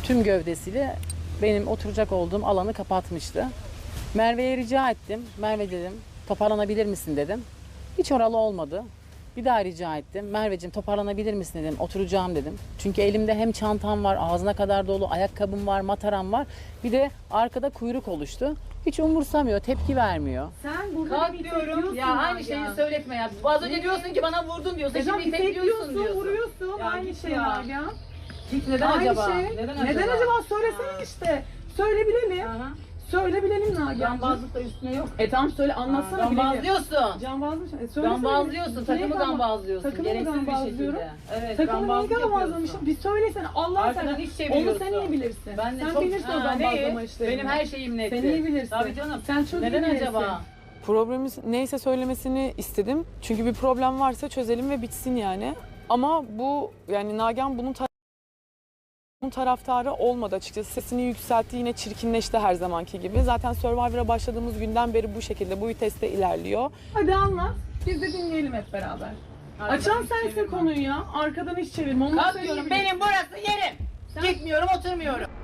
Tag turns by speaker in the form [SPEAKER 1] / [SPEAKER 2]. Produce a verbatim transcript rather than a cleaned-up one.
[SPEAKER 1] tüm gövdesiyle benim oturacak olduğum alanı kapatmıştı. Merve'ye rica ettim. Merve dedim, toparlanabilir misin dedim. Hiç oralı olmadı. Bir daha rica ettim. Merveciğim toparlanabilir misin dedim. Oturacağım dedim. Çünkü elimde hem çantam var, ağzına kadar dolu, ayakkabım var, mataram var. Bir de arkada kuyruk oluştu. Hiç umursamıyor, tepki vermiyor.
[SPEAKER 2] Sen burada
[SPEAKER 3] Kalk
[SPEAKER 2] bir
[SPEAKER 3] diyorum
[SPEAKER 2] diyorsun
[SPEAKER 3] ya aynı şeyi söyletme ya. Az önce diyorsun ki bana vurdun diyorsun.
[SPEAKER 2] Neden
[SPEAKER 3] Şimdi itekliyorsun diyorsun.
[SPEAKER 2] vuruyorsun.
[SPEAKER 3] Ya
[SPEAKER 2] Aynı
[SPEAKER 3] git
[SPEAKER 2] şey
[SPEAKER 3] ya.
[SPEAKER 2] Nagihan.
[SPEAKER 3] Git neden
[SPEAKER 2] Aynı
[SPEAKER 3] acaba?
[SPEAKER 2] şey.
[SPEAKER 3] Neden,
[SPEAKER 2] Neden acaba?
[SPEAKER 3] acaba?
[SPEAKER 2] Söylesene
[SPEAKER 3] Ha.
[SPEAKER 2] işte. Söyle bilelim.
[SPEAKER 3] Aha.
[SPEAKER 2] Söyle bilelim Nagihan.
[SPEAKER 3] Gambazlık da üstüne yok.
[SPEAKER 2] E tamam söyle anlatsana bilelim.
[SPEAKER 3] Gambazlıyorsun.
[SPEAKER 2] Gambazlıyorsun. E, söylesene.
[SPEAKER 3] Gambazlıyorsun.
[SPEAKER 2] Neyi
[SPEAKER 3] Takımı
[SPEAKER 2] gamba-
[SPEAKER 3] gambazlıyorsun.
[SPEAKER 2] Takımı
[SPEAKER 3] Gereksiz bir
[SPEAKER 2] gambazlıyorum.
[SPEAKER 3] şekilde. Evet,
[SPEAKER 2] Takımı neyi
[SPEAKER 3] gambazlık
[SPEAKER 2] gambazlamışım?
[SPEAKER 3] yapıyorsun.
[SPEAKER 2] Bir söylesene. Allah
[SPEAKER 3] Arkadan
[SPEAKER 2] sen.
[SPEAKER 3] iş
[SPEAKER 2] Onu
[SPEAKER 3] çeviriyorsun.
[SPEAKER 2] sen iyi bilirsin.
[SPEAKER 3] Ben de
[SPEAKER 2] sen
[SPEAKER 3] çok
[SPEAKER 2] bilirsin o
[SPEAKER 3] Ha,
[SPEAKER 2] gambazlama
[SPEAKER 3] neyi?
[SPEAKER 2] işlerini.
[SPEAKER 3] Benim her şeyim netti.
[SPEAKER 2] Sen iyi bilirsin.
[SPEAKER 3] Tabii canım.
[SPEAKER 2] Sen çok
[SPEAKER 3] Neden
[SPEAKER 2] iyi bilirsin.
[SPEAKER 3] acaba?
[SPEAKER 4] Problemimiz neyse söylemesini istedim. Çünkü bir problem varsa çözelim ve bitsin yani. Ama bu yani Nagihan bunun tar- bunun taraftarı olmadı açıkçası. Sesini yükseltti, yine çirkinleşti her zamanki gibi. Zaten Survivor'a başladığımız günden beri bu şekilde, bu viteste ilerliyor.
[SPEAKER 2] Hadi anlat. Biz de dinleyelim hep beraber.
[SPEAKER 3] Arkadan
[SPEAKER 2] Açan
[SPEAKER 3] iş
[SPEAKER 2] sensin
[SPEAKER 3] çevirme.
[SPEAKER 2] konuyu ya. Arkadan hiç çevirme. Onu
[SPEAKER 3] Kalk
[SPEAKER 2] söylüyorum.
[SPEAKER 3] diyorum benim burası yerim.
[SPEAKER 2] Sen-
[SPEAKER 3] Gitmiyorum oturmuyorum.